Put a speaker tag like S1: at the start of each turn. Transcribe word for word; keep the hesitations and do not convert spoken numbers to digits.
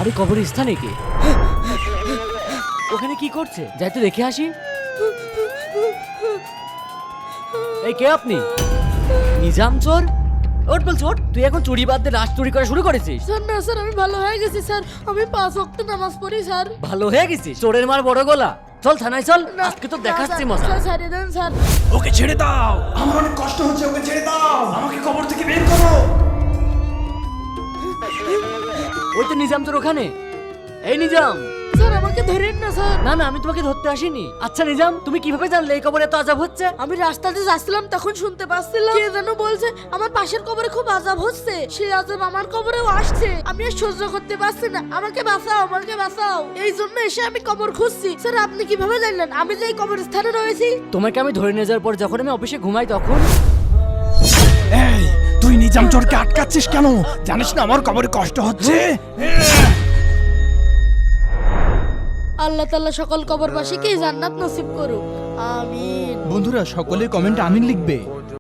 S1: আরে কবরস্থানে কে? ওখানে কি করছে? যাই তো দেখে আসি। এই কে আপনি? নিজাম চোর? ওট বল চোর, তুই এখন চুরি বাদ দিয়ে লাশ চুরি করা শুরু করেছিস?
S2: স্যার না স্যার, আমি ভালো হয়ে গেছি স্যার। আমি পাঁচ ওয়াক্ত নামাজ পড়ি স্যার।
S1: ভালো হয়ে গেছিস? চোরের মার বড় গলা। চল থানায় চল, আজকে তো দেখাচ্ছি মজা।
S2: স্যার ছাড়িয়ে দেন স্যার।
S3: ওকে ছেড়ে দাও, আমার অনেক কষ্ট হচ্ছে, ওকে ছেড়ে দাও, আমাকে কবর থেকে বের করো।
S1: ওই তো নিজাম তোর ওখানে। এই নিজাম।
S2: স্যার আমাকে ধরেন না স্যার।
S1: না না, আমি তোমাকে ধরতে আসিনি। আচ্ছা নিজাম, তুমি কিভাবে জানলে এই কবরে এত আযাব হচ্ছে?
S2: আমি রাস্তাতে যাচ্ছিলাম, তখন শুনতে পাচ্ছিলাম কে যেন বলছে আমার পাশের কবরে খুব আযাব হচ্ছে। সেই আযাব আমার কবরেও আসছে। আমি আর সহ্য করতে পারছি না। আমাকে বাঁচাও, আমাকে বাঁচাও। এই জন্য এসে আমি কবর খুঁজছি। স্যার আপনি কিভাবে জানলেন আমি যে এই কবরস্থানে রয়েছি?
S1: তোমাকে আমি ধরে নিয়ে যাওয়ার পর যখন আমি অফিসে ঘুমাই তখন।
S3: এই তুই নিজাম চোরকে আটকাচ্ছিস কেন? জানিস না আমার কবরে কষ্ট হচ্ছে?
S2: আল্লাহ তাআলা সকল কবরবাসীকে জান্নাত নসিব করুক। আমিন।
S3: বন্ধুরা সকলে কমেন্টে আমিন লিখবে।